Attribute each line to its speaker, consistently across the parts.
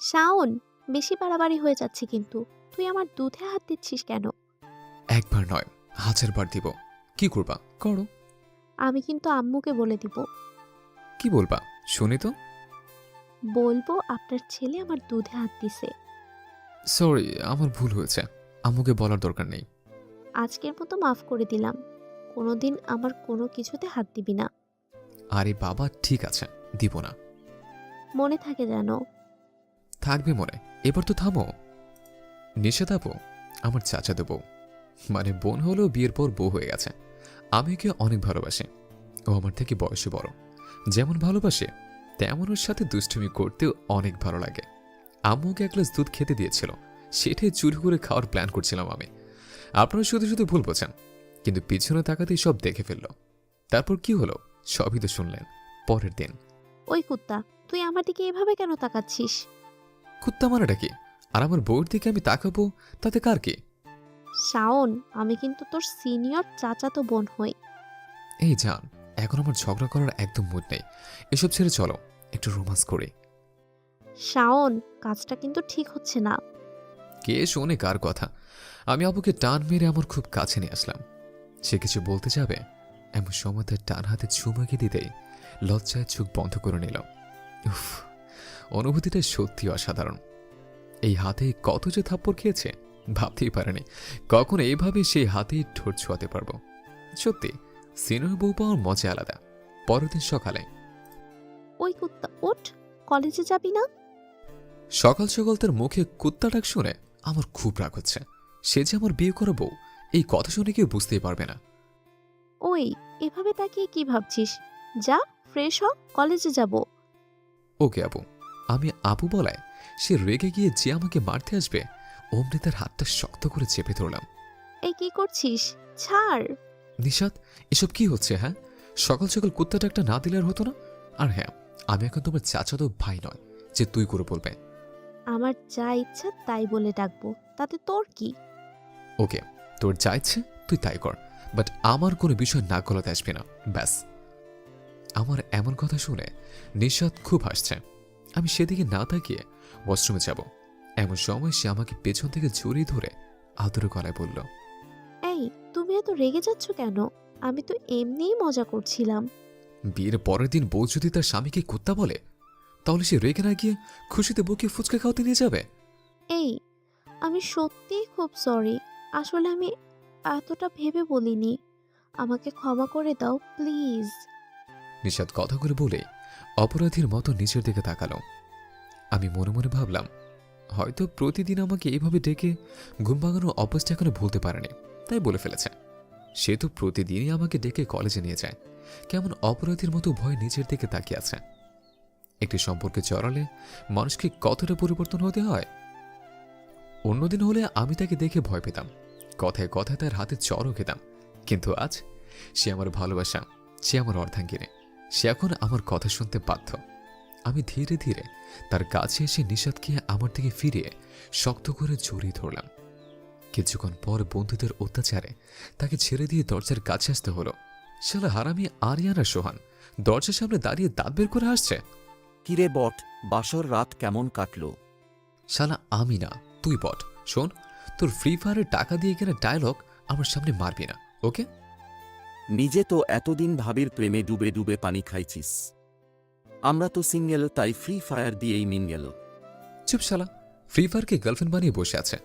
Speaker 1: শাওন, বেশি বাড়াবাড়ি হয়ে যাচ্ছে কিন্তু। তুই আমার দুধে হাত দিচ্ছিস কেন?
Speaker 2: একবার নয়, 1000বার দিব। কি করবা করো।
Speaker 1: আমি কিন্তু আম্মুকে বলে দিব।
Speaker 2: কি বলবা শুনি তো।
Speaker 1: বলবো আপনার ছেলে আমার দুধে হাত দিছে।
Speaker 2: সরি, আমার ভুল হয়েছে। আম্মুকে বলার দরকার নেই।
Speaker 1: আজকের মতো মাফ করে দিলাম। কোনোদিন আমার কোনো কিছুতে হাত দিবি না।
Speaker 2: আরে বাবা ঠিক আছে, দিব না।
Speaker 1: মনে থাকে যেন।
Speaker 2: থাকবে মনে। এবার তো থামো। নিষেধ আপু আমার চাচাতো বউ, মানে বোন হলেও বিয়ের পর বউ হয়ে গেছে। আমি ওকে অনেক ভালোবাসি। ও আমার থেকে বয়সে বড়। যেমন ভালোবাসে তেমন ওর সাথে দুষ্টুমি করতেও অনেক ভালো লাগে। আম্মুকে এক গ্লাস দুধ খেতে দিয়েছিল, সেটাই চুরি করে খাওয়ার প্ল্যান করছিলাম আমি। আপনারা শুধু শুধু ভুল বোঝেন, কিন্তু পিছনে তাকাতেই সব দেখে ফেলল। তারপর কি হলো সবই তো শুনলেন পরের দিন।
Speaker 1: ওই কুত্তা, তুই আমার দিকে এভাবে কেন তাকাচ্ছিস?
Speaker 2: কুত্তা মারাটা কি? আর আমার বউয়ের দিকে আমি তাকাবো তাতে কার কি?
Speaker 1: শাওন, আমি কিন্তু তোর সিনিয়র চাচাতো বোন হই।
Speaker 2: এই জান, এখন আমার ঝগড়া করার একদম মুড নেই। এসব ছেড়ে চলো একটু রোমান্স করি।
Speaker 1: শাওন, কাজটা কিন্তু ঠিক হচ্ছে না।
Speaker 2: কে শোনে কার কথা? আমি আবুকে টান মেরে আমার খুব কাছে নিয়ে আসলাম। সে কিছু বলতে যাবে, এমন সময় তার টান হাতে চুমুকে দিতেই লজ্জায় চোখ বন্ধ করে নিল। উফ, অনুভূতিটা সত্যি অসাধারণ। এই হাতে কত যে থাপ্পড় খেয়েছে ভাবতেই পারেনি কখন এইভাবে সেই হাতে ঠোঁট ছোঁয়াতে পারবো। সত্যি সিনিয়র বউ পাওয়ার মজা আলাদা। পরের দিন সকালে
Speaker 1: ওই কুত্তা ওঠ, কলেজে যাবি না?
Speaker 2: সকাল সকাল তার মুখে কুত্তা ডাক শুনে আমার খুব রাগ হচ্ছে। সে যে আমার বিয়ে করা বউ, এই কথা শুনে কেউ বুঝতেই পারবে না।
Speaker 1: ওই, এভাবে তাকিয়ে কি ভাবছিস? যা, ফ্রেশ হ, কলেজে যাব।
Speaker 2: ওকে আপু। আমি আপু বলায় সে রেগে গিয়ে যে আমাকে মারতে আসবে অমনি তার হাতটা শক্ত করে চেপে ধরলাম।
Speaker 1: এই কি করছিস? ছাড়।
Speaker 2: নিশাত, এসব কি হচ্ছে? হ্যাঁ, সকাল সকাল কুত্তা ডাকটা না দিলে আর হতো না। আর হ্যাঁ, আমি এখন তোমার চাচাতো ভাই নয় যে তুই করে বলবে।
Speaker 1: আমার যা ইচ্ছা তাই বলে ডাকবো, তাতে তোর কি?
Speaker 2: ওকে, তোর যা ইচ্ছে তুই তাই কর, বাট আমার কোনো বিষয় নাক গলাতে আসবে না, ব্যাস। আমার এমন কথা শুনে নিশাত খুব হাসছে। আমি সেদিকে না তাকিয়ে ওয়াশরুমে যাব, এমন সময় সে আমাকে পেছন থেকে জড়িয়ে ধরে আদরে গলায় বলল,
Speaker 1: এই, তুমি এত রেগে যাচ্ছ কেন? আমি তো এমনিই মজা করছিলাম।
Speaker 2: বিয়ের পরের দিন বউ যদি তার স্বামীকে কুত্তা বলে, তাহলে সে রেগে না গিয়ে খুশিতে বউকে ফুচকা খাওয়াতে নিয়ে যাবে।
Speaker 1: এই, আমি সত্যিই খুব সরি। আসলে আমি এতটা ভেবে বলিনি। আমাকে ক্ষমা করে দাও প্লিজ।
Speaker 2: নিশাত কথা করে বলে অপরাধীর মতো নিচের দিকে তাকালো। আমি মনে মনে ভাবলাম, হয়তো প্রতিদিন আমাকে এইভাবে ডেকে ঘুম ভাঙানোর অভ্যাসটা এখনো ভুলতে পারেনি, তাই বলে ফেলেছে। সে তো প্রতিদিনই আমাকে ডেকে কলেজে নিয়ে যায়, কেমন অপরাধীর মতো ভয় নিচের দিকে তাকিয়ে আছে। একটি সম্পর্কে জড়ালে মানুষকে কতটা পরিবর্তন হতে হয়। অন্যদিন হলে আমি তাকে দেখে ভয় পেতাম, কথায় কথায় তার হাতে চড়ও খেতাম, কিন্তু আজ সে আমার ভালোবাসা, সে আমার অর্ধাঙ্গিনী। সে এখন আমার কথা শুনতে বাধ্য। আমি ধীরে ধীরে তার কাছে এসে নিষাদকে আমার দিকে ফিরিয়ে শক্ত করে জড়িয়ে ধরলাম। কিছুক্ষণ পর বন্ধুদের অত্যাচারে তাকে ছেড়ে দিয়ে দরজার কাছে আসতে হলো। শালা হারামি আরিয়ানা সোহান দরজার সামনে দাঁড়িয়ে দাঁত বের করে আসছে।
Speaker 3: কিরে বট, বাসর রাত কেমন কাটলো?
Speaker 2: শালা আমি না, তুই বট। শোন, তোর ফ্রি ফায়ারের টাকা দিয়ে কেনা ডায়লগ আমার সামনে মারবি না, ওকে?
Speaker 3: নিজে তো এতদিন ভাবির প্রেমে ডুবে ডুবে পানি খাইছিস। আমরা তো সিঙ্গেল, তাই ফ্রি ফায়ার দিয়েই মিঙ্গেল।
Speaker 2: চুপ শালা, ফ্রি ফায়ারকে গার্লফ্রেন্ড বানিয়ে বসে আছে।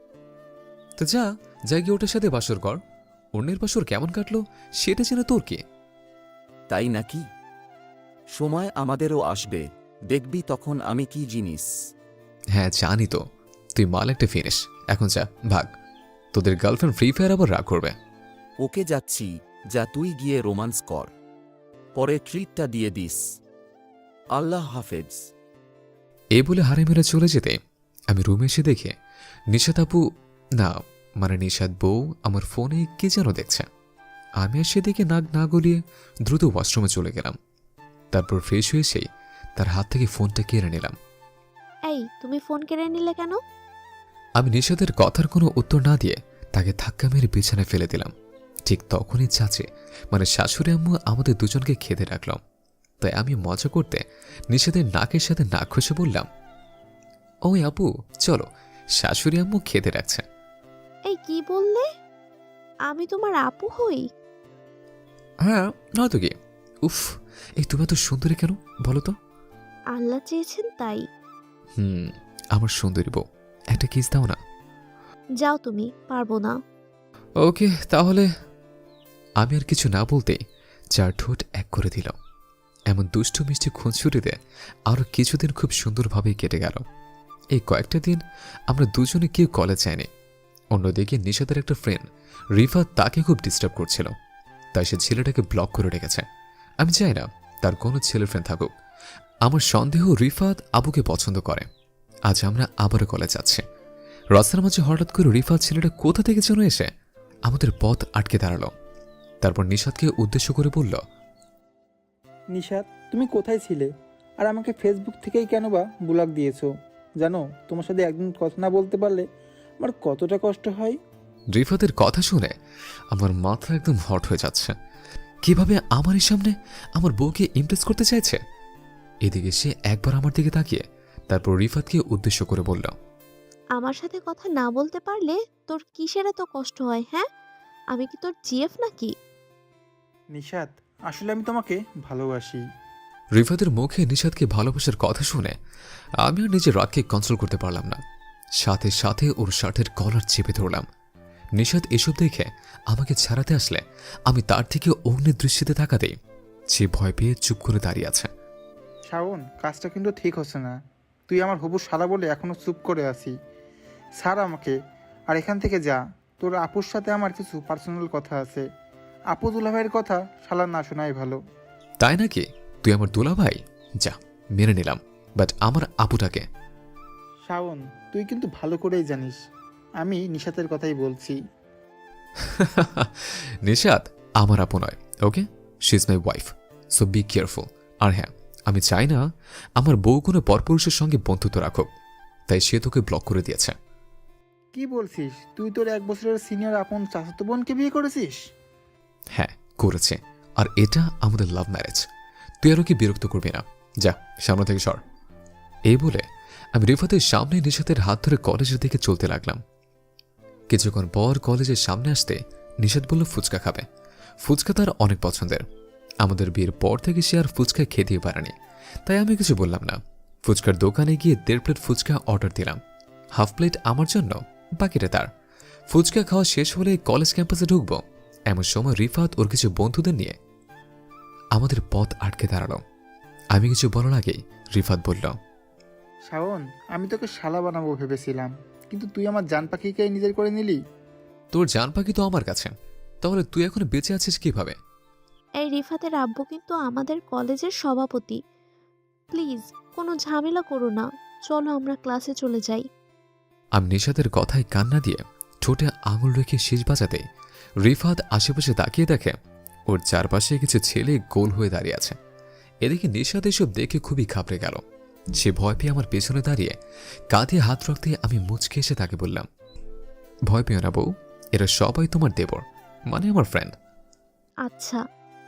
Speaker 2: তো যা, যা গিয়ে ওটার সাথে বাসর কর। অন্যের বাসর কেমন কাটলো সেটা জেনে তোর কি?
Speaker 3: তাই নাকি? সময় আমাদেরও আসবে, দেখবি তখন আমি কি জিনিস।
Speaker 2: হ্যাঁ জানি তো, তুই মাল একটা ফিনিস। এখন যা, ভাগ। তোদের গার্লফ্রেন্ড ফ্রি ফায়ার আবার রাগ করবে।
Speaker 3: ওকে যাচ্ছি, যা তুই গিয়ে রোমান্স কর, পরে ট্রিটটা দিয়ে দিস। আল্লাহ হাফেজ।
Speaker 2: এই বলে হারে মেরে চলে যেতে আমি রুমে এসে দেখে নিশাদ আপু, না মানে নিশাদ বউ আমার ফোনে কে যেন দেখছে। আমি আর সেদিকে নাক না গলিয়ে দ্রুত ওয়াশরুমে চলে গেলাম। তারপর ফ্রেশ হয়ে সেই তার হাত থেকে ফোনটা কেড়ে নিলাম।
Speaker 1: এই, তুমি ফোন কেড়ে নিলে কেন?
Speaker 2: আমি নিশাদের কথার কোনো উত্তর না দিয়ে তাকে ধাক্কা মেরে বিছানায় ফেলে দিলাম। ঠিক তখনই চাচে মানে শাশুড়ি আম্মু আমাদের দুজনকে খেতে রাখলাম। তাই আমি মজা করতে নিশাদের নাকের সাথে নাক ঘষে বললাম, ওই আপু, চলো, শাশুড়ি আম্মু খেতে রাখছে।
Speaker 1: এই কি বললে? আমি তোমার আপু হই?
Speaker 2: হ্যাঁ, নয়তো কি। উফ, এই তুমি এত সুন্দরী কেন বলো তো?
Speaker 1: আল্লাহ চেয়েছেন তাই।
Speaker 2: আমার সুন্দরী বউ, একটা কিস দাও না।
Speaker 1: যাও তুমি, পারবো না।
Speaker 2: ওকে তাহলে। আমি আর কিছু না বলতেই চার ঠোঁট এক করে দিল। এমন দুষ্টু মিষ্টি খুনসুটিতে আরও কিছুদিন খুব সুন্দরভাবেই কেটে গেল। এই কয়েকটা দিন আমরা দুজনে কেউ কলেজ যায়নি। অন্যদিকে নিশাতের একটা ফ্রেন্ড রিফাত তাকে খুব ডিস্টার্ব করছিল, তাই সে ছেলেটাকে ব্লক করে রেখেছে। আমি চাই না তার কোনো ছেলে ফ্রেন্ড থাকুক। আমার সন্দেহ রিফাত আবুকে পছন্দ করে। আজ আমরা আবারও কলেজ যাচ্ছি। রাস্তার মাঝে হঠাৎ করে রিফাত ছেলেটা কোথা থেকে যেন এসে আমাদের পথ আটকে দাঁড়ালো। তারপর নিশাতকে উদ্দেশ্য করে বলল,
Speaker 4: নিশাত, তুমি কোথায় ছিলে? আর আমাকে ফেসবুক থেকেই কেন বা ব্লক দিয়েছো? জানো, তোমার সাথে একদিন কথা না বলতে পারলে আমার কতটা কষ্ট হয়।
Speaker 2: রিফাতের কথা শুনে আমার মাথা একদম হট হয়ে যাচ্ছে। কিভাবে আমারই সামনে আমার বউকে ইমপ্রেস করতে চাইছে। এদিকে সে একবার আমার দিকে তাকিয়ে তারপর রিফাতকে উদ্দেশ্য করে বলল,
Speaker 1: আমার সাথে কথা না বলতে পারলে তোর কিসের এত কষ্ট হয়? হ্যাঁ, আমি কি তোর জিএফ নাকি?
Speaker 4: নিশাত, আসলে আমি তোমাকে ভালোবাসি।
Speaker 2: রিফাতের মুখে নিশাতকে ভালোবাসার কথা শুনে আমি আর নিজের রাগকে কন্ট্রোল করতে পারলাম না। সাথে সাথে ওর শার্টের কলার চেপে ধরলাম। নিশাত এসব দেখে আমাকে ছাড়াতে আসলে আমি তার থেকে অগ্নির দৃষ্টিতে তাকাতেই সে ভয় পেয়ে চুপ করে দাঁড়িয়ে আছে।
Speaker 4: শাওন, কাজটা কিন্তু ঠিক হচ্ছে না। তুই আমার হবু শালা বলে এখনো চুপ করে আছি। ছাড় আমাকে, আর এখান থেকে যা। তোর আপুর সাথে আমার কিছু পার্সোনাল কথা আছে। আপু দুলাভাইয়ের কথা শালা না শোনাই ভালো।
Speaker 2: তাই নাকি? তুই আমার দুলাভাই? যা, মেনে নিলাম, বাট আমার আপুটাকে।
Speaker 4: শাওন, তুই কিন্তু ভালো করেই জানিস আমি নিশাতের কথাই বলছি।
Speaker 2: নিশাত আমার আপু নয়, okay? She is my wife, so be careful. আর হ্যাঁ, আমি চাই না আমার বউ কোনো পরপুরুষের সঙ্গে বন্ধুত্ব রাখুক, তাই সে তোকে ব্লক করে দিয়েছে।
Speaker 4: কি বলছিস? তুই তোর 1 বছরের সিনিয়র আপন চাচাতো বোনকে বিয়ে করেছিস?
Speaker 2: হ্যাঁ, করেছে। আর এটা আমাদের লাভ ম্যারেজ। তুই আরও কি বিরক্ত করবি না? যা, সামনে থেকে সর। এই বলে আমি রিফাতের সামনে নিশাতের হাত ধরে কলেজের দিকে চলতে লাগলাম। কিছুক্ষণ পর কলেজের সামনে আসতে নিশাত বলল ফুচকা খাবে। ফুচকা তার অনেক পছন্দের। আমাদের বিয়ের পর থেকে সে আর ফুচকা খেতেই পারেনি, তাই আমি কিছু বললাম না। ফুচকার দোকানে গিয়ে 1.5 প্লেট ফুচকা অর্ডার দিলাম। হাফ প্লেট আমার জন্য, বাকিটা তার। ফুচকা খাওয়া শেষ হলে কলেজ ক্যাম্পাসে ঢুকবো, এমন সময় রিফাত ওর কিছু বন্ধুদের নিয়ে আমাদের পথ আটকে দাঁড়ালো। আমি কিছু বলার আগেই রিফাত বলল,
Speaker 4: শাওন, আমি তোকে শালা বানাবো ভেবেছিলাম, কিন্তু তুই আমার জান পাখিকেই নিজের করে নিলি।
Speaker 2: তোর জান পাখি তো আমার কাছে, তাহলে তুই এখন বেঁচে আছিস কিভাবে?
Speaker 1: এই রিফাতের আব্বু কিন্তু আমাদের কলেজের সভাপতি। প্লিজ কোনো ঝামেলা করো না, চলো আমরা ক্লাসে চলে যাই।
Speaker 2: আমি নিশাতের কথায় কান্না দিয়ে ঠোঁটে আঙুল রেখে শেষ বাজাতে রিফাত আশেপাশে তাকিয়ে দেখে ওর চারপাশে কিছু ছেলে গোল হয়ে দাঁড়িয়ে আছে। এদিকে নিশাত এসব দেখে খুবই ঘাবড়ে গেল। সে ভয় পেয়ে আমার পেছনে দাঁড়িয়ে কাঁধে হাত রাখতে আমি মুচকে এসে তাকে বললাম, ভয় পেও না বউ, এরা সবাই তোমার দেবর, মানে আমার ফ্রেন্ড।
Speaker 1: আচ্ছা।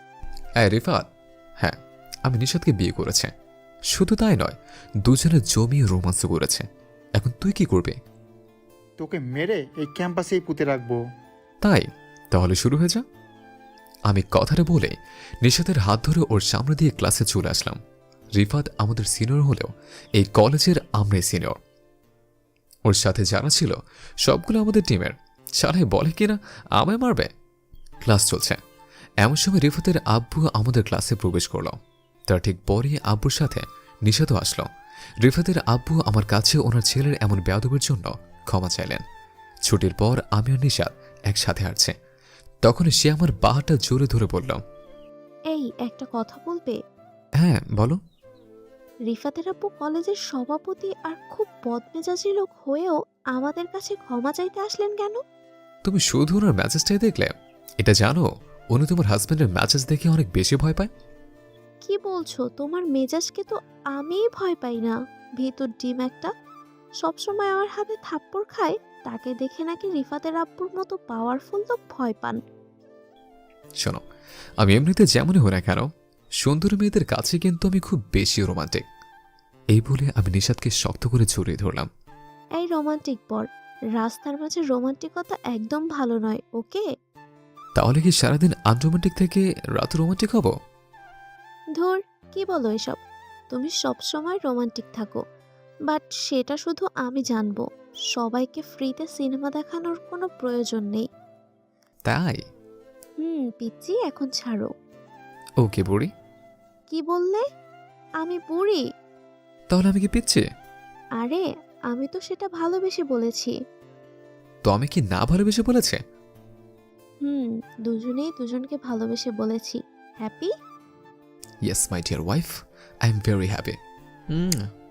Speaker 2: রিফাত, হ্যাঁ, আমি নিশাতকে বিয়ে করেছে। শুধু তাই নয়, দুজনে জমিয়ে রোমান্স করেছে। এখন তুই কি করবে?
Speaker 4: তোকে মেরে এই ক্যাম্পাসেই পুঁতে রাখবো।
Speaker 2: তাই তাহলে শুরু হয়ে যা। আমি কথাটা বলে নিশাতের হাত ধরে ওর সামনে দিয়ে ক্লাসে চলে আসলাম। রিফাত আমাদের সিনিয়র হলেও এই কলেজের আমরাই সিনিয়র। ওর সাথে যারা ছিল সবগুলো আমাদের টিমের। সারাই বলে কিনা আমায় মারবে। ক্লাস চলছে, এমন সময় রিফাতের আব্বু আমাদের ক্লাসে প্রবেশ করল। তার ঠিক পরে আব্বুর সাথে নিশাতও আসলো। রিফাতের আব্বু আমার কাছে ওনার ছেলের এমন বেয়াদবের জন্য ক্ষমা চাইলেন। ছুটির পর আমি আর নিশাত একসাথে হাঁটছে, তখন সে আমার বাহাটা জোরে ধরে বলল,
Speaker 1: এই একটা কথা বলবে?
Speaker 2: হ্যাঁ বলো।
Speaker 1: রিফাতের আব্বু কলেজের সভাপতি আর খুব বদমেজাজি লোক হয়েও আমাদের কাছে ক্ষমা চাইতে আসলেন কেন?
Speaker 2: তুমি শুধু ওনার ম্যাচেসটাই দেখলে? এটা জানো উনি তোমার হাজব্যান্ডের ম্যাচেস দেখে অনেক বেশি ভয় পায়।
Speaker 1: কি বলছো? তোমার মেজাজকে তো আমিই ভয় পাই না। ভেতর ডিম একটা, সবসময় আমার হাতে থাপ্পড় খায়, তাকে দেখে নাকি রিফাতের আব্বুর মতো পাওয়ারফুল লোক ভয় পান।
Speaker 2: শোনো, আমি এমনিতে যেমনই হই না কেন, সুন্দরী মেয়েদের কাছে কিন্তু আমি খুব বেশি রোমান্টিক। এই বলে আমি নিশাদকে শক্ত করে জড়িয়ে ধরলাম।
Speaker 1: এই রোমান্টিক বর, রাস্তার মাঝে রোমান্টিকতা একদম ভালো নয়, ওকে?
Speaker 2: তাহলে কি সারাদিন আনরোমান্টিক থেকে রাত রোমান্টিক হব?
Speaker 1: ধুর, কি বলো এসব? তুমি সব সময় রোমান্টিক থাকো, বাট সেটা শুধু আমি জানবো। সবাইকে ফ্রিতে সিনেমা দেখানোর কোনো প্রয়োজন নেই।
Speaker 2: তাই?
Speaker 1: পিচ্চি, এখন ছাড়ো।
Speaker 2: ওকে বুড়ি।
Speaker 1: কি বললে? আমি বুড়ি?
Speaker 2: তাহলে আমি কি পিচ্ছি?
Speaker 1: আরে, আমি তো সেটা ভালোবেসে বলেছি।
Speaker 2: তো আমি কি না ভালোবেসে বলেছে?
Speaker 1: দুজনেই দুজনকে ভালোবেসে বলেছি। Happy?
Speaker 2: Yes my dear wife, I am very happy.